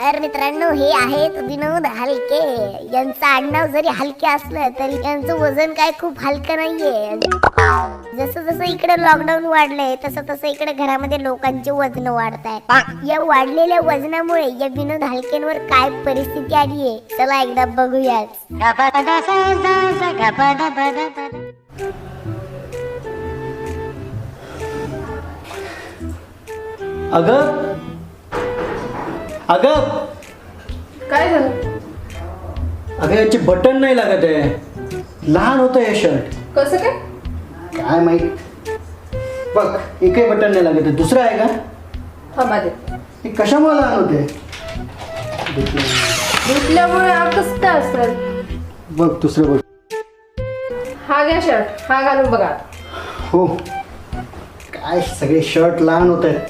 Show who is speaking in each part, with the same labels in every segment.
Speaker 1: नमस्कार मित्रांनो, हे आहेत विनोद हलके. यांचं आडनाव जरी हलके असलं तरी यांचं वजन काय खूप हलकं नाहीये. जसं जसं इकडे लॉकडाऊन वाढलंय तसं तसं इकडे घरामध्ये लोकांचे वजन वाढतायत. या वाढलेल्या वजनामुळे या विनोद हलकेंवर काय परिस्थिती आली आहे चला एकदा बघूयाच.
Speaker 2: अगं अगं
Speaker 3: काय झालं?
Speaker 2: अगं याचे बटन नाही लागत आहे. लहान होतं हे शर्ट.
Speaker 3: कसं काय?
Speaker 2: काय माहित. बघ एकही बटन नाही लागत आहे. दुसरं आहे का?
Speaker 3: थांबा दे.
Speaker 2: हे कशामुळे लहान होते?
Speaker 3: धुतल्यामुळे कसं काय असेल?
Speaker 2: बघ दुसरं बघ.
Speaker 3: हा घ्या शर्ट, हा घालून बघा.
Speaker 2: हो काय सगळे शर्ट लहान होत आहेत.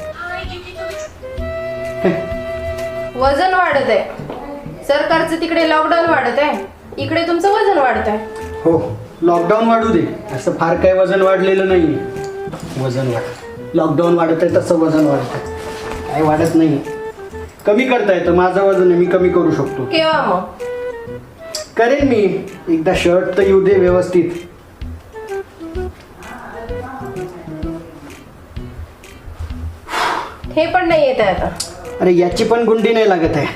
Speaker 3: वजन वाढत आहे. सरकारचं तिकडे लॉकडाऊन वाढत आहे, इकडे तुमचं वजन वाढत आहे.
Speaker 2: हो लॉकडाऊन वाढू दे, असं फार काही वजन वाढलेलं नाही. वजन वाढ लॉकडाऊन वाढत आहे तसं वजन वाढत आहे. काय वाढत नाही. कमी करता येतं. माझं वजन आहे, मी कमी करू शकतो.
Speaker 3: केव्हा मग?
Speaker 2: करेन मी. एकदा शर्ट तर येऊ दे व्यवस्थित.
Speaker 3: हे पण नाही येत आहे आता.
Speaker 2: अरे याची पण गुंडी नाही लागत आहे.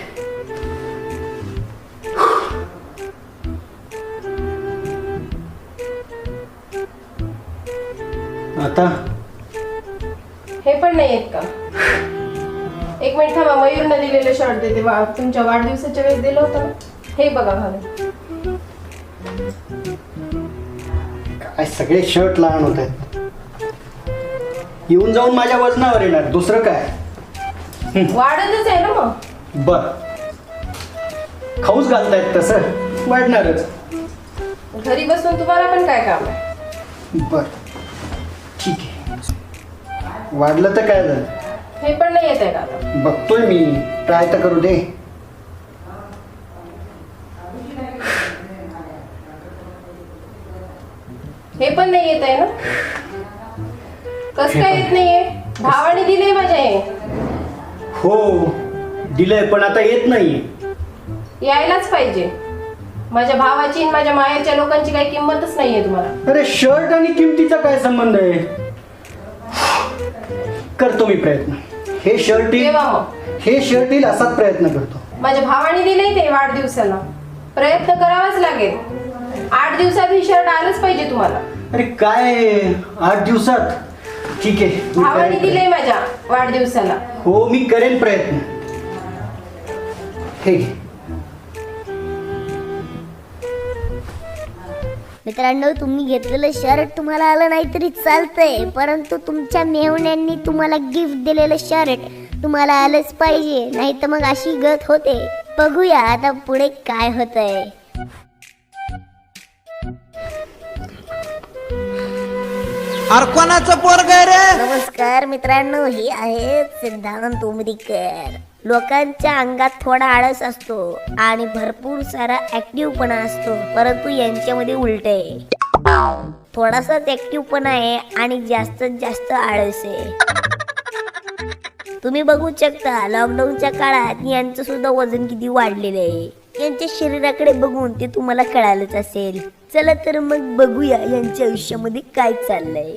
Speaker 2: आता
Speaker 3: हे पण नाही येत का? एक मिनिट थांबा, मयूरनं दिलेलं शर्ट देते. तुमच्या वाढदिवसाच्या वेळेस दिलं होतं ना, हे बघा घालून.
Speaker 2: काय सगळे शर्ट लहान होत आहेत. येऊन जाऊन माझ्या वजनावर येणार, दुसरं काय.
Speaker 3: वाढतच आहे ना मग.
Speaker 2: बर खाऊच घालतायत तसं वाढणारच.
Speaker 3: घरी बसून तुम्हाला पण काय काम आहे?
Speaker 2: बर ठीक आहे. वाढलं तर काय झालं.
Speaker 3: हे पण नाही येत आहे का आता?
Speaker 2: बघतोय मी, ट्राय तर करू दे.
Speaker 3: हे पण नाही येत आहे ना? कसं काय येत नाहीये? भावाने दिले माझ्या. हे
Speaker 2: हो दिलंय पण आता येत नाही.
Speaker 3: यायलाच पाहिजे. माझ्या भावाची आणि माझ्या मायाच्या लोकांची काही किंमतच नाहीये तुम्हाला.
Speaker 2: अरे शर्ट आणि किमतीचा काय संबंध आहे. करतो मी प्रयत्न. हे शर्ट येईल,
Speaker 3: केव्हा मग?
Speaker 2: हे शर्ट येईल असाच प्रयत्न करतो.
Speaker 3: माझ्या भावाने दिले ते वाढदिवसाला. प्रयत्न करावाच लागेल. 8 दिवसात ही शर्ट आलंच पाहिजे तुम्हाला.
Speaker 2: अरे काय 8 दिवसात? ठीक आहे मी
Speaker 3: भावाने
Speaker 2: करेन
Speaker 3: दिले माझ्या वाढदिवसाला.
Speaker 2: हो मी करेन प्रयत्न. हे घे.
Speaker 1: मित्रांनो, तुम्ही घेतलेलं शर्ट तुम्हाला आलं नाही तरी चालतंय, परंतु तुमच्या मेहुण्यांनी तुम्हाला गिफ्ट दिलेलं शर्ट तुम्हाला आलंच पाहिजे, नाही तर मग अशी गत होते. बघूया आता पुढे काय होतंय.
Speaker 4: कोणाचं पोरग रे?
Speaker 1: नमस्कार मित्रांनो, हे आहेत सिद्धांत उमरीकर. लोकांच्या अंगात थोडा आळस असतो आणि भरपूर सारा ऍक्टिव्हपणा असतो, परंतु यांच्यामध्ये उलट आहे. थोडासाच ऍक्टिव्हपणा आहे आणि जास्तीत जास्त आळस आहे. तुम्ही बघू शकता लॉकडाऊनच्या काळात यांचं सुद्धा वजन किती वाढलेलं आहे. यांच्या शरीराकडे बघून ते तुम्हाला कळालंच असेल. चला तर मग बघूया यांच्या आयुष्यामध्ये काय चाललंय.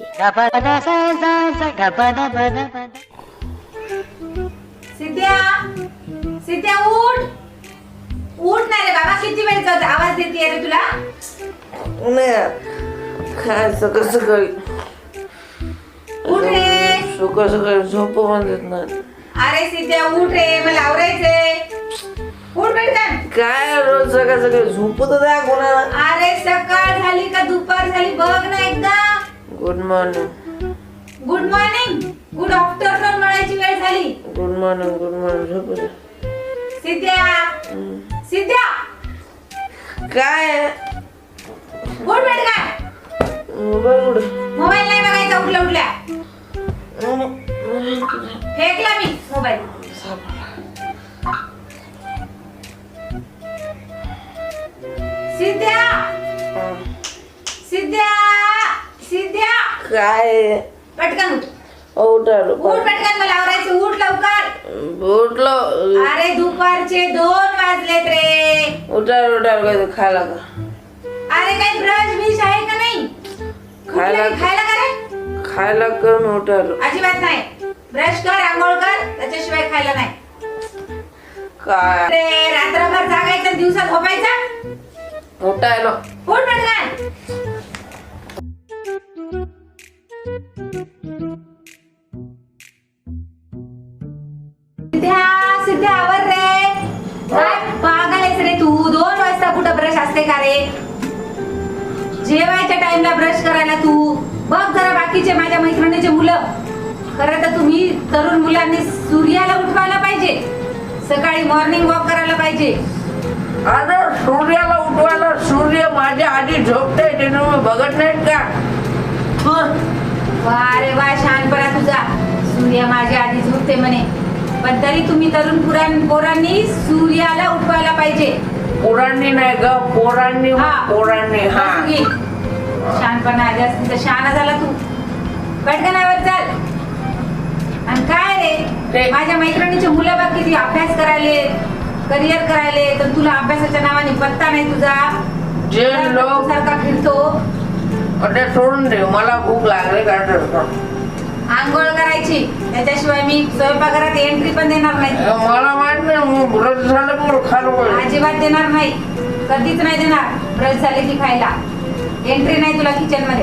Speaker 5: सिद्ध्या, सिद्ध्या उठ. उठ ना रे बाबा, किती वेळचा आवाज देते रे तुला.
Speaker 6: काय सकाळ सकाळी
Speaker 5: उठ रे.
Speaker 6: सकाळ सकाळी झोप म्हणतात ना.
Speaker 5: अरे सिद्ध्या उठ रे, मला आवरायचंय. उठ पटकन.
Speaker 6: काय रोज सकाळ सकाळी झोपत द्या कोणाला.
Speaker 5: अरे सकाळ झाली का दुपार झाली बघ ना एकदा.
Speaker 6: Good morning.
Speaker 5: Good morning, good afternoon म्हणायची वेळ झाली.
Speaker 6: Good morning. Good morning. झोप द्या.
Speaker 5: सिद्ध्या, सिद्ध्या
Speaker 6: काय
Speaker 5: उठ पटकन.
Speaker 6: मोबाईल कुठे?
Speaker 5: मोबाईल नाही बघायचा उठल्या उठल्या. फेकला मी मोबाईल. सिद्ध्या, सिद्ध्या, सिद्ध्या
Speaker 6: काय
Speaker 5: पटकन उठ.
Speaker 6: उठालो.
Speaker 5: उठ पटकन, मला आवरायचं. उठ लवकर.
Speaker 6: उठलो.
Speaker 5: अरे दुपारचे 2 वाजलेत रे.
Speaker 6: उठाल काय खायला का?
Speaker 5: अरे काही ब्रश बिश आहे का नाही?
Speaker 6: खायला
Speaker 5: खायला का रे?
Speaker 6: खायला कर मी उठालो.
Speaker 5: अजिबात नाही. ब्रश कर, आंघोळ कर, त्याच्याशिवाय खायला नाही.
Speaker 6: काय
Speaker 5: रे रात्रभर जागायचं, दिवसा झोपायचं.
Speaker 6: उठायलो.
Speaker 5: उठ पटकन. सिद्ध्या आवर रे. काय पागल रे तू? 2 वाजता कुठं ब्रश असते का रे? जेवायच्या टाइमला ब्रश करायला तू बघ जरा. बाकीचे माझ्या मैत्रिणीचे मुलं, खरं तर तुम्ही तरुण मुलांनी सूर्याला उठवायला पाहिजे, सकाळी मॉर्निंग वॉक करायला पाहिजे.
Speaker 6: अरे सूर्याला उठवायला सूर्य माझ्या आधी झोपते ते तुम्ही बघत नाहीत का?
Speaker 5: वा रे वा, शहाणपणा तुझा. सूर्य माझ्या आधी झोपते म्हणे, पण तरी तुम्ही तरुण पोरांनी सूर्याला उठवायला पाहिजे.
Speaker 6: पोरांनी नाही ग, पोरांनी.
Speaker 5: हा.
Speaker 6: पोरांनी. हा
Speaker 5: बस घे. शहाणपणा जास्त शहाणा झाला तू. पटकनावर चाल. आणि काय रे,
Speaker 6: ते-
Speaker 5: माझ्या मैत्रिणीचे मुलं बघ किती अभ्यास करायले, करिअर करायले, तर तुला अभ्यासाच्या नावाने पत्ता नाही तुझा.
Speaker 6: जे लोक
Speaker 5: सारखा फिरतो.
Speaker 6: अरे सोडून दे, मला भूक लागली का?
Speaker 5: आंघोळ करायची, त्याच्याशिवाय मी स्वयंपाकघरात एंट्री पण देणार नाही.
Speaker 6: मला माहित नाही, ब्रश झालं की खालो.
Speaker 5: अजिबात देणार नाही, कधीच नाही देणार. ब्रश झाले की खायला एंट्री नाही तुला किचन मध्ये.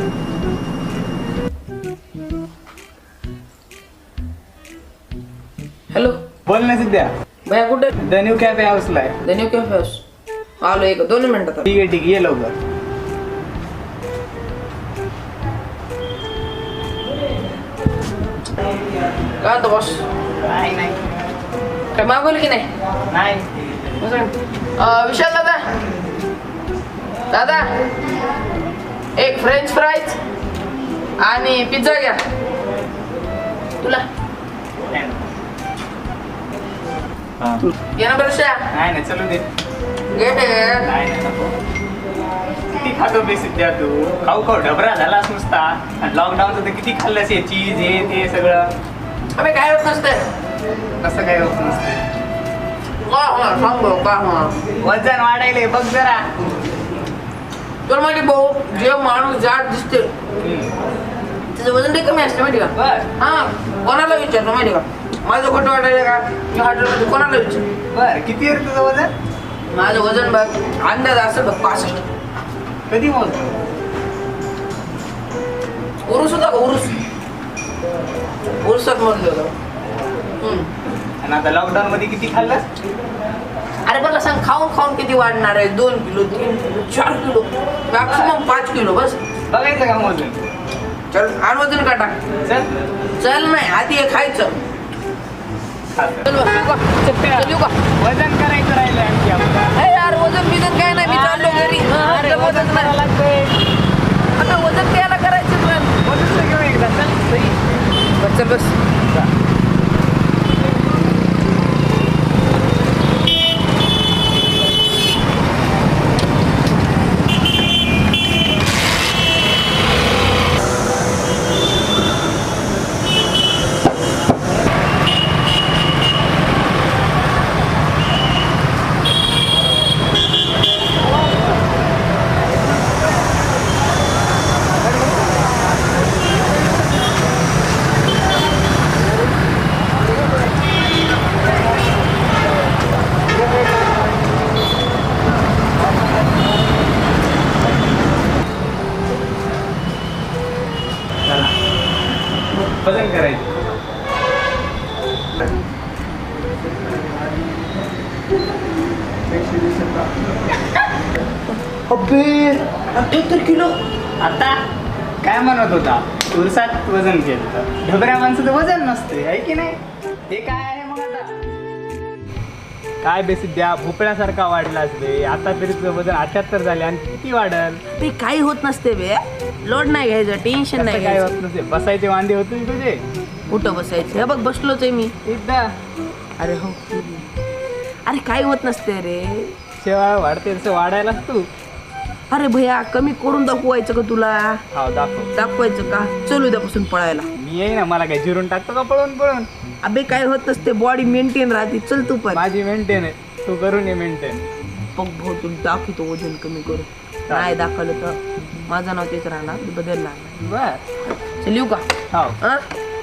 Speaker 6: हॅलो
Speaker 4: बोल ना सिद्ध्या.
Speaker 6: भैया कुठे?
Speaker 4: द न्यू कॅफे हाऊसला आहे.
Speaker 6: धन्यू कॅफे हाऊस. आलो 1-2 मिनिटात.
Speaker 4: ठीक आहे ये लवकर.
Speaker 6: काय होतं बॉस?
Speaker 4: नाही नाही
Speaker 6: काय मागवलं की नाही?
Speaker 4: नाही.
Speaker 6: विशाल दादा, दादा एक फ्रेंच फ्राईज आणि पिझ्झा घ्या. तुला
Speaker 4: हा.
Speaker 6: घे ना बरं.
Speaker 4: नाही नाही चलू दे.
Speaker 6: घे ते.
Speaker 4: नाही नाही नको. किती खातो बे सिद्ध्या तू? खाऊ खाऊ ढबरा झालास नुसता. आणि लॉकडाऊनचं तर किती खाल्लंस हे चीज हे ते सगळं.
Speaker 6: अबे काय होत नसते.
Speaker 4: कसं काय होत नसतं.
Speaker 6: का होणार सांग भाऊ, का होणार?
Speaker 4: वजन वाढायले बघ जरा.
Speaker 6: तुला माहिती भाऊ, जे माणूस जाड दिसते त्याचं वजन ते कमी असते माहिती का?
Speaker 4: बर
Speaker 6: हा, कोणाला विचारतो माहिती का? माझं खोटं वाटायला का? मी हॉटेलमध्ये कोणाला विचार?
Speaker 4: बर किती आहे रे तुझं वजन?
Speaker 6: माझं वजन बघ, अंदाज असं बघ 65.
Speaker 4: कधी मोजतो?
Speaker 6: उरूस होता का? उरुसात मोजलं होतं.
Speaker 4: आणि आता लॉकडाऊन मध्ये किती खाल्लंस?
Speaker 6: अरे मला सांग, खाऊन खाऊन किती वाढणार आहे? 2 किलो, 3 किलो, 4 किलो, मॅक्सिमम 5 किलो बस.
Speaker 4: बघायचं का मोजून?
Speaker 6: चल आण वजन काटा.
Speaker 4: चल
Speaker 6: चल नाही, आधी हे खायचं.
Speaker 4: खातो.
Speaker 6: चल बस, येऊ का? चल येऊ का?
Speaker 4: वजन करायचं राहिलं आणखी आपलं.
Speaker 6: हे यार वजन बिजन काय नाही, मी चाललो घरी.
Speaker 4: अरे
Speaker 6: आता
Speaker 4: वजन करायला लागतंय.
Speaker 6: आता वजन द्यायला करायचं पण.
Speaker 4: वजन तर घेऊ एकदा चल.
Speaker 6: बस चल बस.
Speaker 4: वजन करायचं.
Speaker 6: अबे 78 किलो.
Speaker 4: आता काय म्हणत होता? उरसात वजन केलं. ढबऱ्या माणसाचं वजन नसते आहे की नाही? हे काय आहे मग आता? काय बेसिद्या भोपळ्यासारखा वाढलास बे. आता तरी तुझं वजन 78 झाले आणि किती वाढल?
Speaker 6: ते काही होत नसते बे. लोड नाही घ्यायचं, टेन्शन
Speaker 4: कसं
Speaker 6: नाही
Speaker 4: काय
Speaker 6: घ्यायचं.
Speaker 4: होत नसते? बसायचे वांदे होते तुझे.
Speaker 6: कुठं बसायचं? हे बघ बसलोच आहे मी.
Speaker 4: एकदा
Speaker 6: अरे हो. अरे काही होत नसते रे.
Speaker 4: शेवाळ वाढते तसं वाढायलाच तू.
Speaker 6: अरे भैया कमी करून दाखवायचं का तुला?
Speaker 4: हा दाखव.
Speaker 6: दाखवायचं का? चल उद्यापासून पळायला.
Speaker 4: मी येई ना, मला काय जिरून टाकतो का पळून पळून?
Speaker 6: अबे काय होत नसते, बॉडी मेंटेन राहते. चल तू पण.
Speaker 4: माझी मेंटेन आहे, तू करून ये मेंटेन.
Speaker 6: बघ भाऊ तुला दाखवतो वजन कमी करून. नाही दाखवलं तर माझं नाव तेच राहणार, बदलणार.
Speaker 4: बर.
Speaker 6: चल येऊ का?
Speaker 4: हो.
Speaker 6: हा?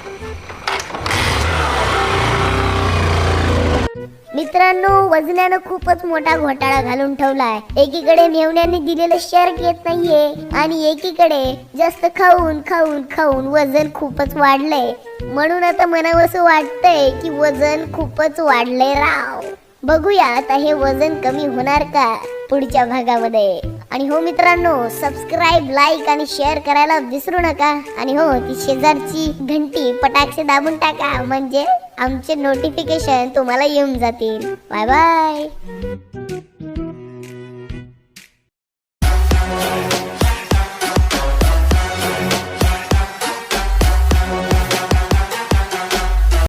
Speaker 1: मित्रांनो, वजनानं खूपच मोठा घोटाळा घालून ठेवलाय. एकीकडे मेवण्याने दिलेलं शर्ट येत नाहीये आणि एकीकडे जास्त खाऊन खाऊन खाऊन वजन खूपच वाढलंय. म्हणून आता मनावंसं वाटतंय की वजन खूपच वाढलंय राव. बघूया आता हे वजन कमी होणार का पुढच्या भागामध्ये. आणि हो मित्रांनो, सबस्क्राईब, लाईक आणि शेअर करायला विसरू नका. आणि हो, ती शेजारची घंटी पटाक्षे दाबून टाका, म्हणजे आमचे नोटिफिकेशन तुम्हाला येऊन जातील. Bye bye.